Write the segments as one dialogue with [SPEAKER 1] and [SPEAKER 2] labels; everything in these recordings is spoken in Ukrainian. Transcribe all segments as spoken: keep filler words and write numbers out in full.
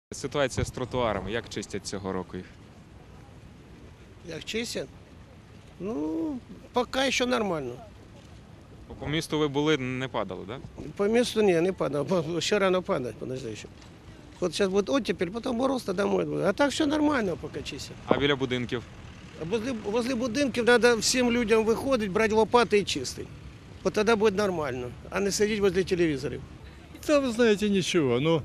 [SPEAKER 1] Ситуація з тротуарами, як чистять цього року їх?
[SPEAKER 2] Як чистять? Ну, поки ще нормально.
[SPEAKER 1] По місту ви були, не падали, так? Да?
[SPEAKER 2] По місту ні, не падав. Ще рано падать, подожди ще. От зараз буде оттепель, потім мороз, тоді домой буде. А так все нормально, поки чистять.
[SPEAKER 1] А біля будинків?
[SPEAKER 2] А возле, возле будинків треба всім людям виходити, брати лопати і чистити. От тоді буде нормально, а не сидіти возле телевізорів.
[SPEAKER 3] Да, вы знаете, ничего. Но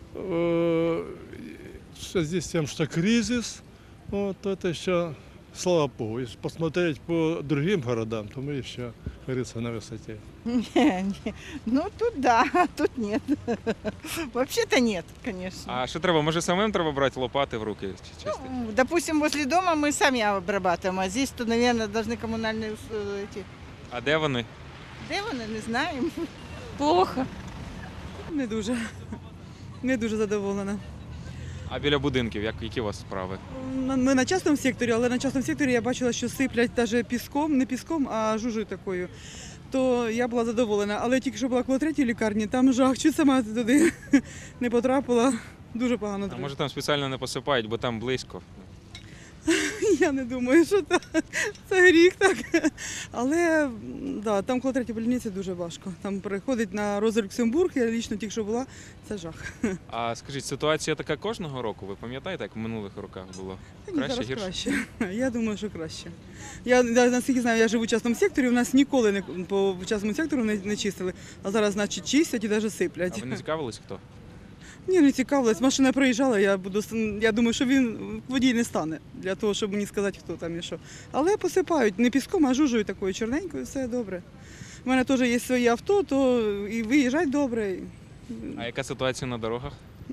[SPEAKER 3] э, в связи с тем, что кризис, вот это еще, слава богу, если посмотреть по другим городам, то мы еще, как говорится, на высоте.
[SPEAKER 4] Не, не. Ну тут да, а тут нет. Вообще-то нет, конечно.
[SPEAKER 1] А що треба? Може самим треба брати лопати в руки чи чистити?
[SPEAKER 4] Ну, допустим, возле дома мы сами обрабатываем, а здесь, то, наверное, должны коммунальные ус- эти.
[SPEAKER 1] А де вони?
[SPEAKER 4] Де вони, не знаємо.
[SPEAKER 5] Плохо. Не дуже. Не дуже задоволена.
[SPEAKER 1] А біля будинків, як, які у вас справи?
[SPEAKER 5] Ми на частному секторі, але на частному секторі я бачила, що сиплять навіть піском, не піском, а жужою такою. То я була задоволена. Але тільки що була коло третьої лікарні, там жах, чуть сама туди не потрапила. Дуже погано.
[SPEAKER 1] А може там спеціально не посипають, бо там близько?
[SPEAKER 5] Я не думаю, що так. Це гріх так. Але да, там коло третьої больниці дуже важко. Там переходить на Роза Люксембург, я лічно тільки що була, це жах.
[SPEAKER 1] А скажіть, ситуація така кожного року? Ви пам'ятаєте, як в минулих роках було?
[SPEAKER 5] Та ні,
[SPEAKER 1] Краще,
[SPEAKER 5] зараз
[SPEAKER 1] гірше?
[SPEAKER 5] краще. Я думаю, що краще. Я, я наскільки знаю, я живу в частному секторі, у нас ніколи не по частному сектору не, не чистили, а зараз, значить, чистять і навіть сиплять.
[SPEAKER 1] А ви не цікавились хто?
[SPEAKER 5] Ні, не цікавилась. Машина проїжджала, я буду я думаю, що він водій не стане для того, щоб мені сказати, хто там і що. Але посипають не піском, а жужою такою чорненькою, все добре. У мене теж є своє авто, то і виїжджать добре.
[SPEAKER 1] А яка ситуація на дорогах?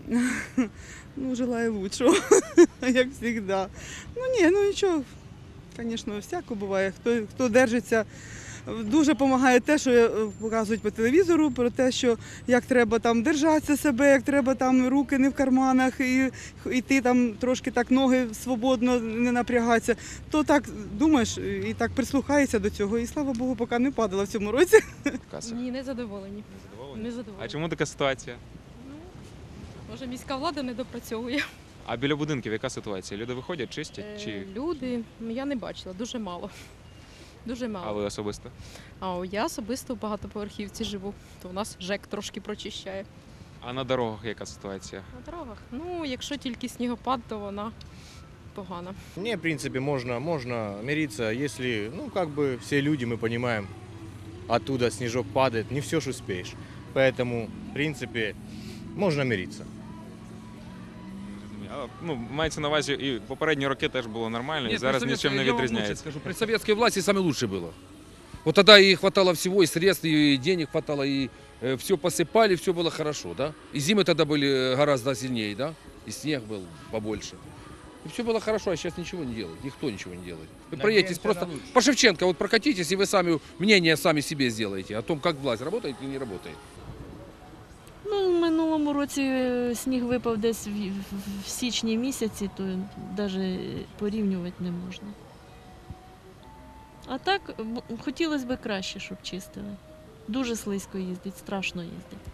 [SPEAKER 5] Ну, желаю лучшого, як завжди. Ну ні, ну нічого, звісно, всяко буває. Хто, хто держиться. Дуже допомагає те, що показують по телевізору, про те, що як треба там держатися себе, як треба там руки не в карманах, і йти там трошки так ноги свободно, не напрягатися. То так думаєш і так прислухаєшся до цього. І слава Богу, поки не падала в цьому році.
[SPEAKER 1] Каса.
[SPEAKER 6] Ні, не задоволені.
[SPEAKER 1] Задоволені?
[SPEAKER 6] Не задоволені.
[SPEAKER 1] А чому така ситуація?
[SPEAKER 6] Ну, може, міська влада не допрацьовує.
[SPEAKER 1] А біля будинків яка ситуація? Люди виходять, чистять?
[SPEAKER 6] Е,
[SPEAKER 1] Чи...
[SPEAKER 6] Люди, ну, я не бачила, дуже мало. Дуже мало.
[SPEAKER 1] А ви особисто?
[SPEAKER 6] А о, я особисто в багатоповерхівці живу, то у нас ЖЕК трошки прочищає.
[SPEAKER 1] А на дорогах яка ситуація?
[SPEAKER 6] На дорогах, ну, якщо тільки снігопад, то вона погана.
[SPEAKER 7] Не, в принципе, можно, можно мириться, если, ну, как бы все люди, мы понимаем, оттуда снежок падает, не все ж успеешь. Поэтому, в принципе, можно мириться.
[SPEAKER 1] А, ну, мається на увазі, і попередні роки теж було нормально, і
[SPEAKER 8] Нет,
[SPEAKER 1] зараз
[SPEAKER 8] при
[SPEAKER 1] нічим не
[SPEAKER 8] советской- я вам лучше
[SPEAKER 1] відрізняється.
[SPEAKER 8] скажу, при советской власти самое лучшее было. Вот тогда и хватало всего, и средств, и денег хватало, и э, все посыпали, все было хорошо, да? И зимы тогда были гораздо сильнее, да? И снег был побольше. И все было хорошо, а сейчас ничего не делают, никто ничего не делает. Вы проедетесь просто по Шевченко, вот прокатитесь, и вы сами мнение сами себе сделаете о том, как власть работает или не работает.
[SPEAKER 9] Ну, в минулому році е, сніг випав десь в, в- в січні місяці, то навіть порівнювати не можна. А так, б- хотілося б краще, щоб чистили. Дуже слизько їздить, страшно їздить.